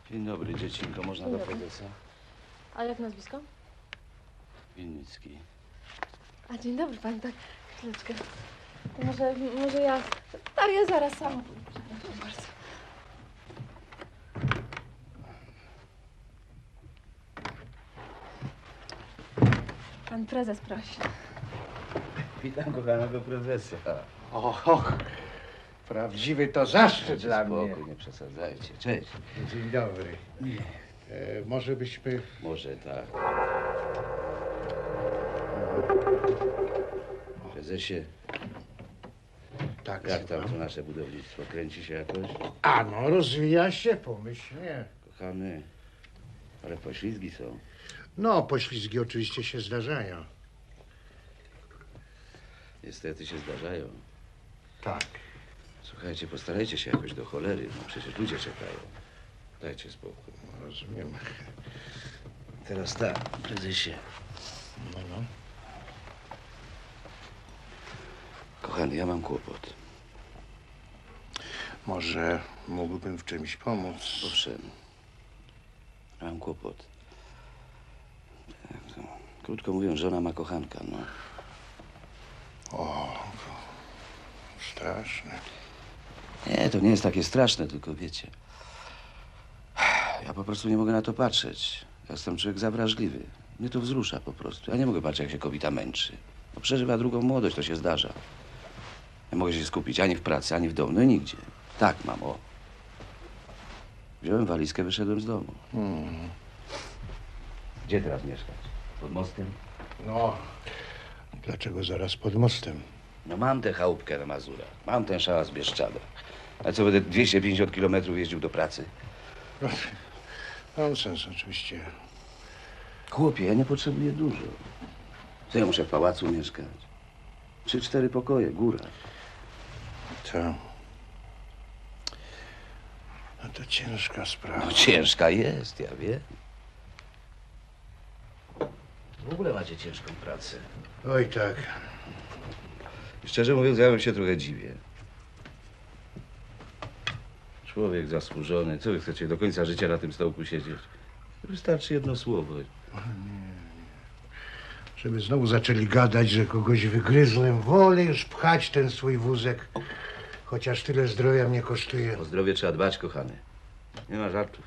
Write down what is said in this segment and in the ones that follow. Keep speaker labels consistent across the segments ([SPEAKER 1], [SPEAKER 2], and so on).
[SPEAKER 1] Dzień dobry, dziecinko. Można
[SPEAKER 2] Dzień
[SPEAKER 1] do
[SPEAKER 2] dobry.
[SPEAKER 1] prezesa?
[SPEAKER 2] A jak nazwisko?
[SPEAKER 1] Winnicki.
[SPEAKER 2] A dzień dobry pani, tak, chwileczkę. To może ja... Tak, ja zaraz sama. Przepraszam bardzo. Pan prezes prosi.
[SPEAKER 1] Witam kochanego prezesa.
[SPEAKER 3] Och, prawdziwy to zaszczyt dla mnie.
[SPEAKER 1] Spokój, nie przesadzajcie. Cześć.
[SPEAKER 3] Dzień dobry. Może byśmy...
[SPEAKER 1] Może tak. Prezesie,
[SPEAKER 3] Tak,
[SPEAKER 1] jak tam
[SPEAKER 3] słucham.
[SPEAKER 1] to nasze budownictwo? Kręci się jakoś?
[SPEAKER 3] A no, rozwija się pomyślnie.
[SPEAKER 1] Kochany, ale poślizgi są.
[SPEAKER 3] No, poślizgi oczywiście się zdarzają.
[SPEAKER 1] Niestety się zdarzają.
[SPEAKER 3] Tak.
[SPEAKER 1] Słuchajcie, postarajcie się jakoś do cholery. No przecież ludzie czekają. Dajcie spokój.
[SPEAKER 3] Rozumiem.
[SPEAKER 1] Teraz tak, prezesie.
[SPEAKER 3] No.
[SPEAKER 1] Kochany, ja mam kłopot.
[SPEAKER 3] Może mógłbym w czymś pomóc.
[SPEAKER 1] Owszem. Mam kłopot. Tak, to, krótko mówiąc, żona ma kochanka, no.
[SPEAKER 3] O, straszne.
[SPEAKER 1] Nie, to nie jest takie straszne, tylko wiecie. Ja po prostu nie mogę na to patrzeć. Ja jestem człowiek zawrażliwy. Mnie to wzrusza po prostu. Ja nie mogę patrzeć, jak się kobieta męczy. No, przeżywa drugą młodość, to się zdarza. Nie mogę się skupić ani w pracy, ani w domu, no i nigdzie. Tak mam, o. Wziąłem walizkę, wyszedłem z domu. Gdzie teraz mieszkać? Pod mostem?
[SPEAKER 3] No, dlaczego zaraz pod mostem?
[SPEAKER 1] No mam tę chałupkę na Mazurach. Mam ten szałas w Bieszczadach. A co, będę 250 kilometrów jeździł do pracy?
[SPEAKER 3] Nonsens oczywiście.
[SPEAKER 1] Chłopie, ja nie potrzebuję dużo. Co ja muszę w pałacu mieszkać? 3-4 pokoje, góra.
[SPEAKER 3] To... No to ciężka sprawa.
[SPEAKER 1] No ciężka jest, ja wiem. W ogóle macie ciężką pracę.
[SPEAKER 3] Oj tak.
[SPEAKER 1] Szczerze mówiąc, ja bym się trochę dziwię. Człowiek zasłużony. Co wy chcecie do końca życia na tym stołku siedzieć? Wystarczy jedno słowo.
[SPEAKER 3] Żeby znowu zaczęli gadać, że kogoś wygryzłem, wolę już pchać ten swój wózek. Chociaż tyle zdrowia mnie kosztuje.
[SPEAKER 1] O zdrowie trzeba dbać, kochany. Nie ma żartów.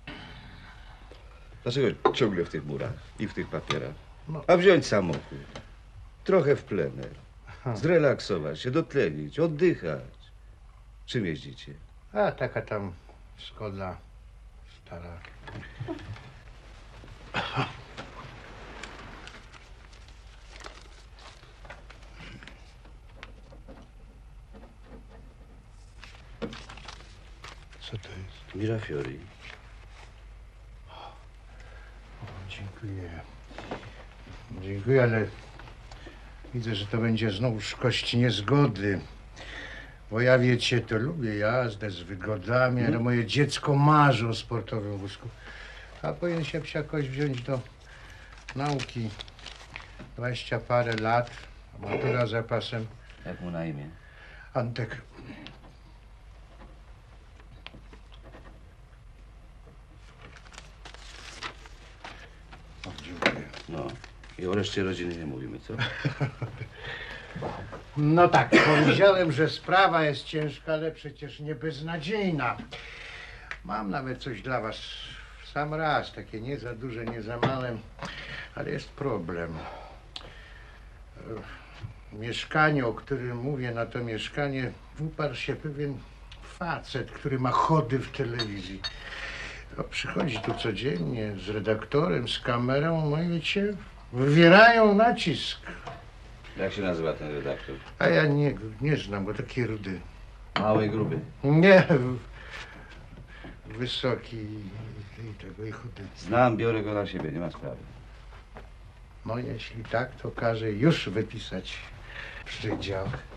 [SPEAKER 1] Dlaczego ciągle w tych murach i w tych papierach?
[SPEAKER 3] No.
[SPEAKER 1] A wziąć samochód. Trochę w plener. Zrelaksować się, dotlenić, oddychać. Czym jeździcie?
[SPEAKER 3] A taka tam Skoda stara. Co to jest?
[SPEAKER 1] Mirafiori.
[SPEAKER 3] O, dziękuję. Dziękuję, ale widzę, że to będzie znowuż kość niezgody. Bo ja, wiecie, to lubię jazdę z wygodami, ale moje dziecko marzy o sportowym wózku. A powinien się jakoś wziąć do nauki. 20 parę lat, matura za pasem.
[SPEAKER 1] Jak mu na imię?
[SPEAKER 3] Antek. O, dziękuję.
[SPEAKER 1] No. I o reszcie rodziny nie mówimy, co?
[SPEAKER 3] No tak, powiedziałem, że sprawa jest ciężka, ale przecież nie beznadziejna. Mam nawet coś dla was w sam raz, takie nie za duże, nie za małe, ale jest problem. W mieszkaniu, o którym mówię, na to mieszkanie uparł się pewien facet, który ma chody w telewizji. No, przychodzi tu codziennie z redaktorem, z kamerą, no i wiecie, wywierają nacisk.
[SPEAKER 1] Jak się nazywa ten redaktor?
[SPEAKER 3] A ja nie znam go, taki rudy.
[SPEAKER 1] Mały, gruby.
[SPEAKER 3] Nie, wysoki i tego i chudy.
[SPEAKER 1] Znam, biorę go na siebie, nie ma sprawy.
[SPEAKER 3] No jeśli tak, to każę już wypisać przydział.